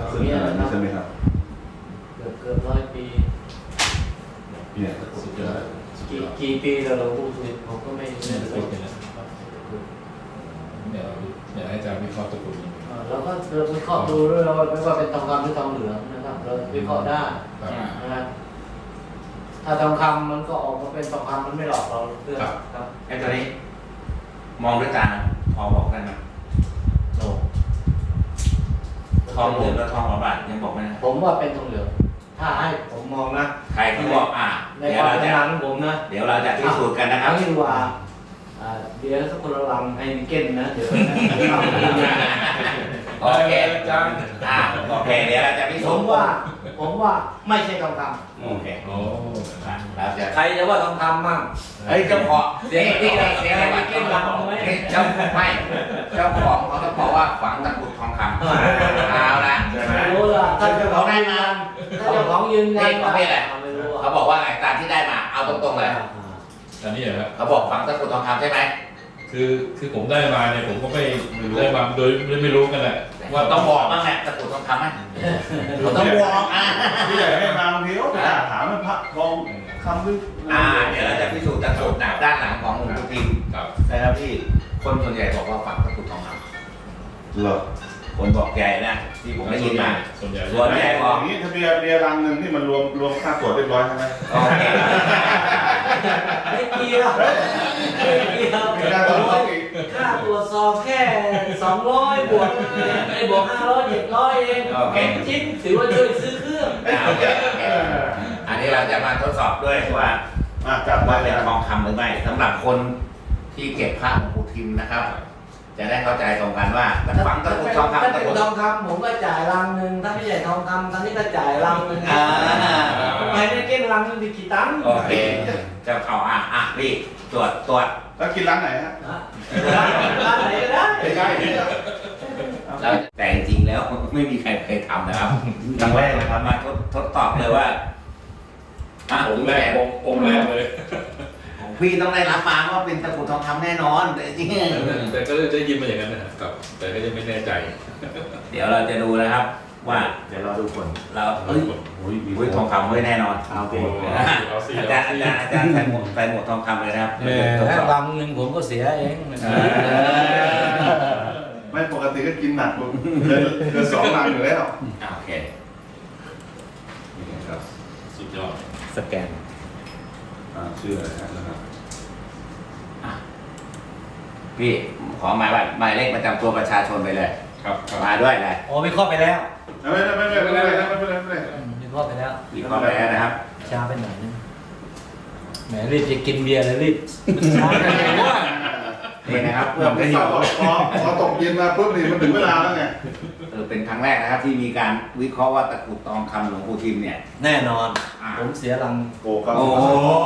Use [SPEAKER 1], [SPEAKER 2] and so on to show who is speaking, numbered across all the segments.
[SPEAKER 1] ซึ่งขนาดนี้ใช่ไหมครับ
[SPEAKER 2] เกือบ100 ปี
[SPEAKER 1] เนี่ย
[SPEAKER 3] สุดยอด
[SPEAKER 2] กี่ปีแล้วหลวงปู่สุรินทร์ผมก็ไม่เคย
[SPEAKER 3] เดี๋ยวให้อาจารย์วิเคราะห์ตะกรุดนี้
[SPEAKER 2] เราก็วิเคราะห์ดูด้วยว่าไม่ว่าเป็นทองคำหรือทองเหลืองนะครับเราวิเคราะห์ได้นะถ้าทองคำมันก็ออกมาเป็นทองคำมันไม่หลอกเราเพื่อนครับ
[SPEAKER 4] ไอ้ตัวนี้มองด้วยตาพอบอกได้ไหม
[SPEAKER 2] โอ้
[SPEAKER 4] ทองเหลืองกับทองหล่อบาทยังบอกไม่ได้
[SPEAKER 2] ผมว่าเป็นทองเหลืองถ้าให้ผมมองนะ
[SPEAKER 4] ใครที่บอก
[SPEAKER 2] ใน
[SPEAKER 4] เดี๋
[SPEAKER 2] ค
[SPEAKER 4] ยว
[SPEAKER 2] วาม
[SPEAKER 4] เรา
[SPEAKER 2] ชำ
[SPEAKER 4] จะ
[SPEAKER 2] นาญของผมนะ
[SPEAKER 4] เดี๋ยวเราจะพิสูจน์กันนะครับ
[SPEAKER 2] เอาดีกว่าเดี๋ยวสักคนละลังให้นิเก้นนะเดี๋ยว
[SPEAKER 4] โอเคโอเคเดี๋ยวเราจะพิ
[SPEAKER 2] ผ
[SPEAKER 4] สูจ
[SPEAKER 2] ม
[SPEAKER 4] น์
[SPEAKER 2] ว่าไม่ใช่ทองค
[SPEAKER 4] โอเค
[SPEAKER 3] โอ้
[SPEAKER 4] เราจะ
[SPEAKER 2] ำใครจะว่าทองคำมั่ง
[SPEAKER 4] เฮ้ยเจ้าของ
[SPEAKER 2] เสียงที่เราเสียงอะไรนิเก้นลังไหม
[SPEAKER 4] เจ้าไม่เจ้าของเขาต้องบอกว่าฝังตะกรุดทองคำเอาละ
[SPEAKER 2] ไม่รู้ล่ะถ้าเจ้าของยืนยันถ้าเจ้าของยืนยัน
[SPEAKER 4] ประเภทอะไร
[SPEAKER 2] ไม่รู้
[SPEAKER 4] เขาบอกว่าไงตามที่ได้มาเอาตรงๆเลย
[SPEAKER 3] อันนี้เหรอครับ
[SPEAKER 4] เขาบอกฝังตะกรุดทองคำใช่ไหม
[SPEAKER 3] คือผมได้มาเนี่ยผมก็ไม่ได้มาโดยไม่รู้กันแหละ
[SPEAKER 4] ว่าต้องบอกบ้างแหละตะกรุดทองคำไหมเขาต้องบอก
[SPEAKER 1] พี่ใหญ่ให้มาบางทีเขาถามมันพระทองคำลึก
[SPEAKER 4] เดี๋ยวเราจะพิสูจน์ตะกรุดหนักด้านหลังของหลวงปู่ทิม
[SPEAKER 3] ครับ
[SPEAKER 4] นะครับพี่คนส่วนใหญ่บอกว่าฝังตะกรุดทองคำ
[SPEAKER 1] เหรอ
[SPEAKER 4] คนบอกใหญ่นะที่ผมได้ยินมา
[SPEAKER 3] ส่วนใหญ่
[SPEAKER 4] ส่วนใหญ่บอก
[SPEAKER 1] อย่างนี้ถ้าเบียร์รังหนึ่งที่มันรวมค่าตรวจเรียบร้อยใช่ไหม
[SPEAKER 4] โอเค
[SPEAKER 2] ไม่เกี่ยวไม่เกี่ยว
[SPEAKER 1] มีค่าตรวจสอบอีก
[SPEAKER 2] ค่าตรวจสอบแค่200บวกบวก500 700เองชิ้นถือว่าช่วยซื้อเครื่อง
[SPEAKER 4] โอเคอันนี้เราจะมาทดสอบด้วยว่า
[SPEAKER 1] จับ
[SPEAKER 4] ว่า
[SPEAKER 1] ได้
[SPEAKER 4] เป็น
[SPEAKER 1] แล้ว
[SPEAKER 4] ทองคำหรือไม่สำหรับคนที่เก็บพระหลวงปู่ทิมนะครับ จะได้เข้าใจตรงกันว่าฝังตะกรุดทอง
[SPEAKER 2] ถ้า
[SPEAKER 4] คำตะ
[SPEAKER 2] เป็น
[SPEAKER 4] กรุด
[SPEAKER 2] ทองคำผมก็จ่ายรังหนึ่งถ้าไม่ใช่ทองคำตอนนี้ก็จ่ายรังหนึ่งไม่ได้เก็บรังหนึ่งดีกี่ตังค์
[SPEAKER 4] โอเคเจ้าเขารีบตรวจ
[SPEAKER 1] แล้วกินร้านไหนฮะ
[SPEAKER 2] ร้านไหนก็ได้
[SPEAKER 1] ใกล้
[SPEAKER 4] แล้วแต่จริงๆแล้วไม่มีใครเคยทำนะครับ
[SPEAKER 1] ครั้งแรกนะครับ
[SPEAKER 4] มาทดสอบเลยว่า
[SPEAKER 3] องค์แรกองค์แรกเลย
[SPEAKER 4] พี่ต้องได้รับมาว่าเป็นตะกรุดทองคำแน่นอนแต่จริง
[SPEAKER 3] แต่ก็ได้ยินมาอย่างนั้นนะครับแต่ก็ยังไม่แน่ใจ
[SPEAKER 4] เดี๋ยวเราจะดูนะครับว่า
[SPEAKER 1] เดี๋ยวรอดูผล
[SPEAKER 4] เรามีทองคำไว้แน่นอน
[SPEAKER 1] เอาไป
[SPEAKER 3] เอาสิ
[SPEAKER 4] อาจารย์ใส่หมวกทองคำเลยนะครับทดสอบ
[SPEAKER 2] รังหนึ่งผมก็เสียเอง
[SPEAKER 1] ไม่ปกติก็กินหนักเกิน2 รังอยู่แล้ว
[SPEAKER 4] โอเค
[SPEAKER 1] นี่ครับ
[SPEAKER 3] สุดยอด
[SPEAKER 4] สแกน
[SPEAKER 1] ชื่ออะไรนะครับ
[SPEAKER 4] พี่ขอหมายเลขประจำตัวประชาชนไปเลย
[SPEAKER 3] ครับ
[SPEAKER 4] มาด้วยเลย
[SPEAKER 2] โอ้วิเคราะห์ไปแล้ว
[SPEAKER 1] ไม่เป็นไร
[SPEAKER 2] วิเคราะห์ไปแล้ว
[SPEAKER 4] วิเคราะห์ไปแล้วนะครับ
[SPEAKER 2] ช้าไปหน่อยนึงแหมรีบจะกินเบียร์เลยรีบช้าไปหน่อยว่า
[SPEAKER 4] นี่นะครับเพื่
[SPEAKER 1] เพื่
[SPEAKER 4] อ
[SPEAKER 1] อ
[SPEAKER 4] ป
[SPEAKER 1] ไม่
[SPEAKER 4] ระโย
[SPEAKER 1] สอบ
[SPEAKER 4] ชน์
[SPEAKER 1] พอตกเย็นมาปุ๊บนี่มันถึงเวลาแล้วไง
[SPEAKER 4] เป็นครั้งแรกนะครับที่มีการวิเคราะห์ว่าตะกรุดทองคำหลวงปู่ทิมเนี่ย
[SPEAKER 2] แน่นอน ผมเสียรัง
[SPEAKER 1] โกก็
[SPEAKER 4] โอ้โห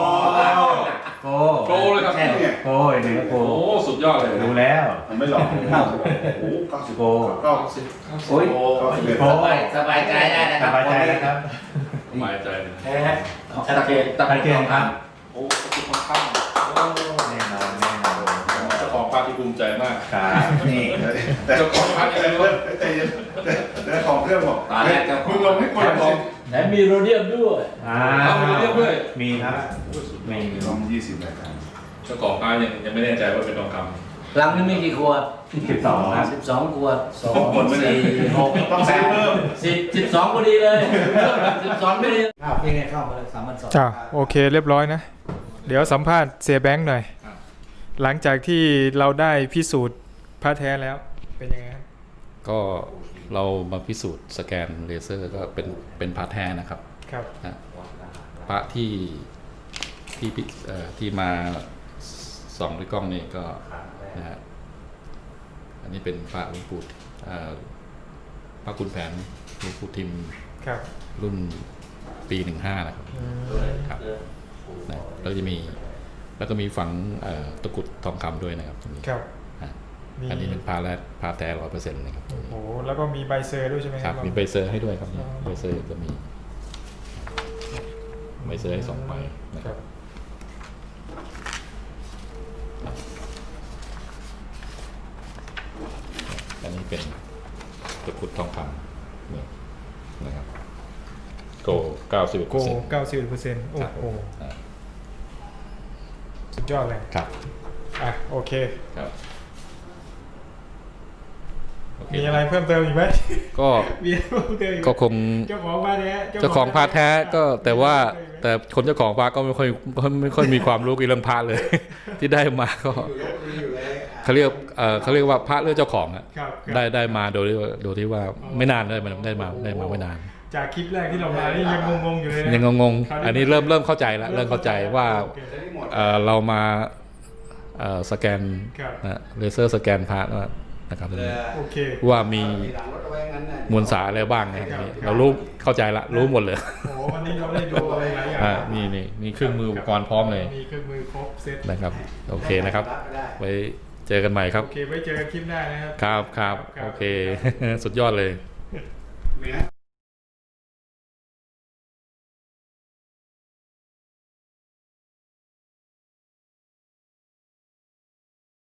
[SPEAKER 3] โปรเลยครับ
[SPEAKER 4] ใช่
[SPEAKER 1] เนี่ย
[SPEAKER 5] โอ้ยหนึ่งโก
[SPEAKER 3] โอ้สุดยอดเลย
[SPEAKER 5] ดูแล้ว
[SPEAKER 1] มันไม่หลอกโอ้โห90
[SPEAKER 5] โก
[SPEAKER 1] 90
[SPEAKER 4] โอ้ย
[SPEAKER 1] 91
[SPEAKER 4] สบายใจได้นะค
[SPEAKER 5] ส
[SPEAKER 4] รับบ
[SPEAKER 5] ายใจแล้วครับ
[SPEAKER 3] สบายใจเลย
[SPEAKER 2] แท้
[SPEAKER 4] ชัดเจนตะกรุดทองค
[SPEAKER 3] โอ้สุดค่อนข้าง
[SPEAKER 5] แน่นอนแน่นอน
[SPEAKER 3] เจ้าของภาพที่ภูมิใจมาก
[SPEAKER 5] ครับ
[SPEAKER 4] ำนี่
[SPEAKER 1] แต่ของพักใจเย็นใจเย็นแต่ของเครื่องบอก
[SPEAKER 4] ตอนแรกเจ้าข
[SPEAKER 1] มึ
[SPEAKER 4] อง
[SPEAKER 1] งลงให้คนลง
[SPEAKER 2] แถมมีโรเดียมด้วย
[SPEAKER 3] เอาไปเรียบด้วย
[SPEAKER 5] มีครับ มี
[SPEAKER 1] ลง20 รายการ
[SPEAKER 3] เจ้าของภาพยังไม่แน่ใจว่าเป็นทองค
[SPEAKER 2] รังนึงมีกี่ขวด
[SPEAKER 5] 12ครับ
[SPEAKER 2] 12 ขวด2 4 6
[SPEAKER 1] ต้องซื้อเพิ่ม
[SPEAKER 2] 12พอดีเลย12ไม่ดีครับยังไงเข้ามาเลย3,200
[SPEAKER 6] จ้าโอเคเรียบร้อยนะ เดี๋ยวสัมภาษณ์เสียแบงค์หน่อย หลังจากที่เราได้พิสูจน์พระแท้แล้วเป็นยังไงครับ
[SPEAKER 7] ก็เรามาพิสูจน์สแกนเลเซอร์ก็เป็นพระแท้นะครับ
[SPEAKER 6] ครับ
[SPEAKER 7] นะพระที่มาส่องด้วยกล้องนี่ก็นะฮะอันนี้เป็นพระหลวงปู่พระคุณแผนหลวงปู่ทิม
[SPEAKER 6] ครับ
[SPEAKER 7] รุ่นปี15นะครับครับนะแล้วก็มีฝังตะกรุดทองคำด้วยนะครับตรงนี้
[SPEAKER 6] ครับ
[SPEAKER 7] อ่ะ
[SPEAKER 6] มี
[SPEAKER 7] อันนี้เป็นพระแท้100%นะครับตรงนี้
[SPEAKER 6] โอ้โหแล้วก็มีใบเซอร์ด้วยใช่ไหม
[SPEAKER 7] ครับมีใบเซอร์ให้ด้วยครับ
[SPEAKER 6] อ๋อ
[SPEAKER 7] ใบเซอร์ก็มีใบเซอร์ให้2ใบนะ
[SPEAKER 6] ค
[SPEAKER 7] ค
[SPEAKER 6] รั
[SPEAKER 7] รั
[SPEAKER 6] บบ
[SPEAKER 7] อันนี้เป็นตะกรุดทองคำเนี่ยโก91%
[SPEAKER 6] โก91%โอ้โห
[SPEAKER 7] อ่า
[SPEAKER 6] สุดยอดเลย
[SPEAKER 7] ครับ
[SPEAKER 6] อ่ะโอเค
[SPEAKER 7] ครับโอเค
[SPEAKER 6] มีอะไรเพิ่มเติมอีกไหม
[SPEAKER 7] ก็
[SPEAKER 6] มีอะไรเพิ่มเติมอีกไหม
[SPEAKER 7] ก็คง
[SPEAKER 6] เจ้าของพระแท้
[SPEAKER 7] เจ้าของพระแท้ก็แต่ว่าแต่คนเจ้าของพระก็ไม่ค่อยมีความรู้เกี่ยวกับเรื่องพระเลย ที่ได้มาก็เขาเรียกว่าพระเรื่องเจ้าของอะ
[SPEAKER 6] ครับครับ
[SPEAKER 7] ได้มาโดยที่ว่าไม่นานได้มาไม่นาน
[SPEAKER 6] จากคลิปแรกที่เรามานี่ยังงงๆอยู่เลยนะ
[SPEAKER 7] ยังงงๆอันนี้เริ่มเข้าใจแล้วเริ่มเข้าใจว่า
[SPEAKER 6] โอเค
[SPEAKER 7] เรามาสแกน
[SPEAKER 6] ครับ
[SPEAKER 7] นะเลเซอร์สแกนพระนะครับ
[SPEAKER 6] โอเค
[SPEAKER 7] ว่ามีมวลสารอะไรบ้างนะครับเรารู้เข้าใจละรู้หมดเลย
[SPEAKER 6] โอ้วันนี้เราได้ดูอะไรหลายอย่าง
[SPEAKER 7] นี่เครื่องมืออุปกรณ์พร้อมเลย
[SPEAKER 6] มีเครื่องมือครบเซต
[SPEAKER 7] นะครับโอเคนะครับ ไว้เจอกันใหม่ครับ
[SPEAKER 6] โอเคไว้เจอกันคลิปหน้านะครับ
[SPEAKER 7] ครับโอเค สุดยอดเลย
[SPEAKER 1] มีนะ